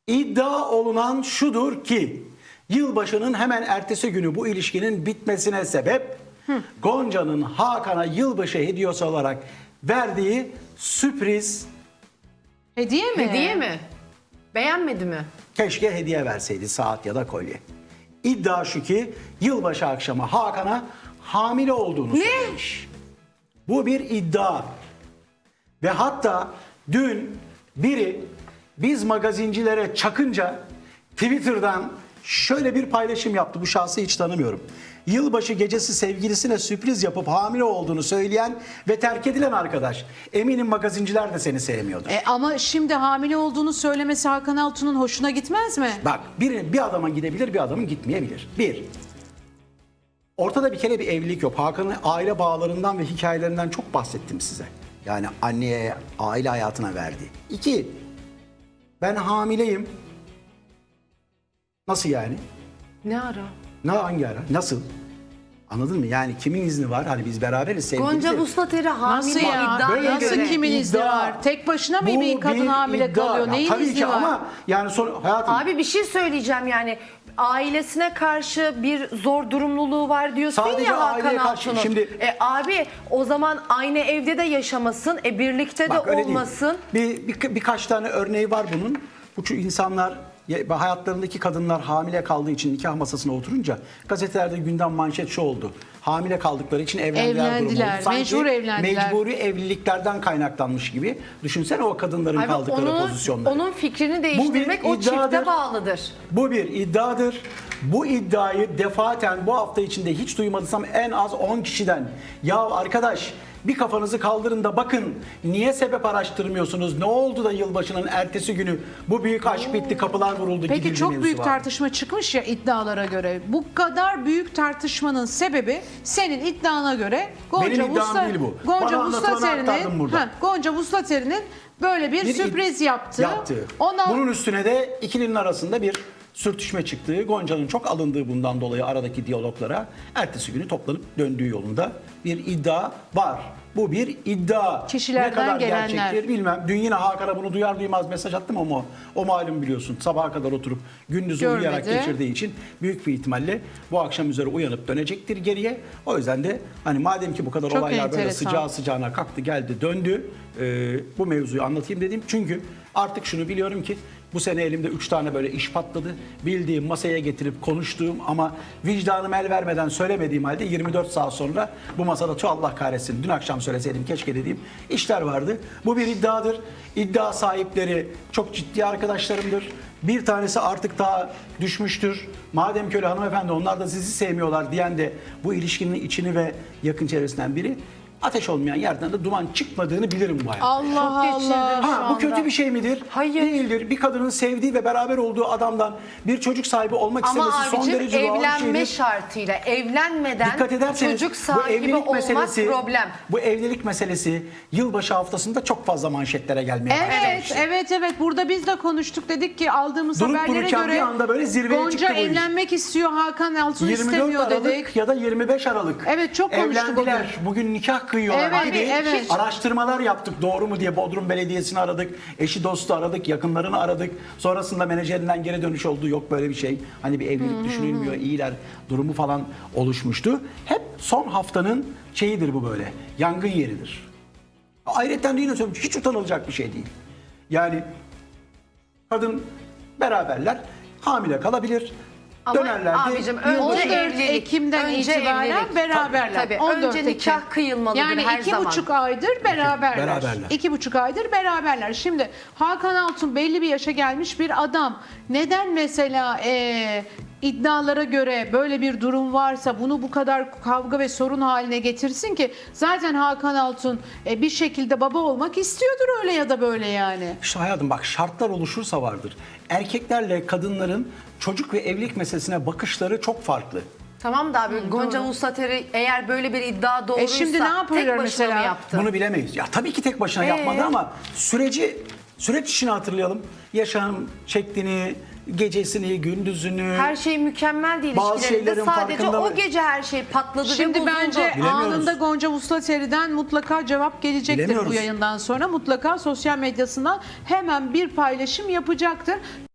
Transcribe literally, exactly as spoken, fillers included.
İddia olunan şudur ki yılbaşının hemen ertesi günü bu ilişkinin bitmesine sebep Hı. Gonca'nın Hakan'a yılbaşı hediyesi olarak verdiği sürpriz Hediye mi? Hediye mi? Beğenmedi mi? keşke hediye verseydi, saat ya da kolye. İddia şu ki yılbaşı akşamı Hakan'a hamile olduğunu Ne? söylemiş. Bu bir iddia. Ve hatta dün biri biz magazincilere çakınca Twitter'dan şöyle bir paylaşım yaptı. Bu şahsı hiç tanımıyorum. Yılbaşı gecesi sevgilisine sürpriz yapıp hamile olduğunu söyleyen ve terk edilen arkadaş. Eminim magazinciler de seni sevmiyordur. E, ama şimdi hamile olduğunu söylemesi Hakan Altun'un hoşuna gitmez mi? Bak bir, bir adama gidebilir, bir adamın gitmeyebilir. Bir, ortada bir kere bir evlilik yok. Hakan'ın aile bağlarından ve hikayelerinden çok bahsettim size. Yani anneye, aile hayatına verdiği. İki, ben hamileyim. Nasıl yani? Ne ara? Ne, hangi ara? Nasıl? Anladın mı? Yani kimin izni var? Hani biz beraberiz, sevgiliyiz. Gonca Vuslateri hamile Nasıl ya? iddiaya Böyle Nasıl göre. kimin izni iddia. var? Tek başına mı Bu bir kadın hamile iddia. kalıyor? Ya Neyin tabii izni ki var? ama yani son hayatım. Abi bir şey söyleyeceğim yani. Ailesine karşı bir zor durumluluğu var diyorsun Sadece ya Hakan aileye karşı. Altun'un. Şimdi- E, abi o zaman aynı evde de yaşamasın, e, birlikte Bak, de öyle değil. olmasın. Bir, bir, birkaç tane örneği var bunun. Bu ço- insanlar ya- hayatlarındaki kadınlar hamile kaldığı için nikah masasına oturunca gazetelerde gündem manşet şu oldu. Hamile kaldıkları için evlendiler, Evlendiler, durumu oldu. Sanki mecbur evlendiler. Mecburi evliliklerden kaynaklanmış gibi. Düşünsene o kadınların Abi kaldıkları onun, pozisyonları. onun fikrini değiştirmek o iddiadır. çifte bağlıdır. Bu bir iddiadır. Bu iddiayı defaten bu hafta içinde hiç duymadıysam en az on kişiden. Ya arkadaş bir kafanızı kaldırın da bakın niye sebep araştırmıyorsunuz? Ne oldu da yılbaşının ertesi günü bu büyük aşk bitti, kapılar vuruldu, Peki gidildi çok mevzusu büyük var. tartışma çıkmış ya iddialara göre. Bu kadar büyük tartışmanın sebebi senin iddiana göre Gonca Benim iddiam Vusla- değil bu. Gonca Bana anlatılanı aktardım Vuslateri'nin burada. ha, Gonca Vuslateri'nin böyle bir, Bir sürpriz id- yaptı. yaptı. Ondan Bunun üstüne de ikilinin arasında bir sürtüşme çıktığı, Gonca'nın çok alındığı bundan dolayı aradaki diyaloglara ertesi günü toplanıp döndüğü yolunda bir iddia var. Bu bir iddia. Kişilerden ne kadar gelenler. gerçektir bilmem. Dün yine Hakan'a bunu duyar duymaz mesaj attım ama o, o malum biliyorsun. Sabaha kadar oturup gündüz Görmedi. uyuyarak geçirdiği için büyük bir ihtimalle bu akşam üzere uyanıp dönecektir geriye. O yüzden de hani madem ki bu kadar Çok olaylar böyle enteresan. sıcağı sıcağına kalktı geldi döndü. Ee, bu mevzuyu anlatayım dedim. Çünkü artık şunu biliyorum ki bu sene elimde üç tane böyle iş patladı. Bildiğim, masaya getirip konuştuğum ama vicdanım el vermeden söylemediğim halde yirmi dört saat sonra bu masada tu Allah kahretsin dün akşam söyleseydim keşke dediğim işler vardı. Bu bir iddiadır. İddia sahipleri çok ciddi arkadaşlarımdır. Bir tanesi artık daha düşmüştür. Madem ki öyle hanımefendi onlar da sizi sevmiyorlar diyen de bu ilişkinin içini ve yakın çevresinden biri. Ateş olmayan yerden de duman çıkmadığını bilirim bu hayatta. Allah Çok geçirdim Allah. şu Ha, bu anda. kötü bir şey midir? Hayır. Değildir. Bir kadının sevdiği ve beraber olduğu adamdan bir çocuk sahibi olmak Ama istemesi son abicim derece doğal bir evlenme şeydir. şartıyla evlenmeden Dikkat ederseniz çocuk bu sahibi evlilik olmak meselesi, problem. bu evlilik meselesi yılbaşı haftasında çok fazla manşetlere gelmeye başladı. Evet, evet, evet. Burada biz de konuştuk. Dedik ki aldığımız Durup haberlere dururken göre bir anda böyle zirveye Gonca çıktı bu iş. evlenmek istiyor, Hakan Altun yirmi dört istemiyor Aralık dedik. ya da yirmi beş Aralık. Evet, çok konuştuk Evlendiler. Bugün nikah kıyıyorlar Evet, gibi evet. araştırmalar yaptık. Doğru mu diye Bodrum Belediyesi'ni aradık. Eşi dostu aradık. Yakınlarını aradık. Sonrasında menajerinden geri dönüş oldu. Yok böyle bir şey. Hani bir evlilik düşünülmüyor. İyiler durumu falan oluşmuştu. Hep son haftanın şeyidir bu böyle. Yangın yeridir. Ayrıca yine söylüyorum. Hiç utanılacak bir şey değil. Yani kadın beraberler. Hamile kalabilir. Ama Dönerler de abicim, yılbaşı- önce on dört evlilik, Ekim'den önce itibaren evlilik. beraberler. Tabii, on dört önce Ekim. nikah kıyılmalıdır yani her iki zaman. buçuk aydır beraberler. Beraberler. İki buçuk aydır beraberler. Şimdi Hakan Altun belli bir yaşa gelmiş bir adam. Neden mesela e, iddialara göre böyle bir durum varsa bunu bu kadar kavga ve sorun haline getirsin ki? Zaten Hakan Altun e, bir şekilde baba olmak istiyordur öyle ya da böyle yani. İşte hayatım bak şartlar oluşursa vardır. Erkeklerle kadınların çocuk ve evlilik meselesine bakışları çok farklı. Tamam da abi Gonca Vuslateri eğer böyle bir iddia doğruysa E şimdi ne yapıyorlar tek başına mesela? mı yaptı? Bunu bilemeyiz. Ya tabii ki tek başına Ee? yapmadı ama süreci süreç işini hatırlayalım. Yaşam şeklini, gecesini, gündüzünü. Her şey mükemmel değil Bazı ilişkilerinde. şeylerin Sadece farkında o mı? gece her şey patladı ve Şimdi bozuldu. bence Bilemiyoruz. anında Gonca Vuslateri'den mutlaka cevap gelecektir Bilemiyoruz. bu yayından sonra. Mutlaka sosyal medyasından hemen bir paylaşım yapacaktır.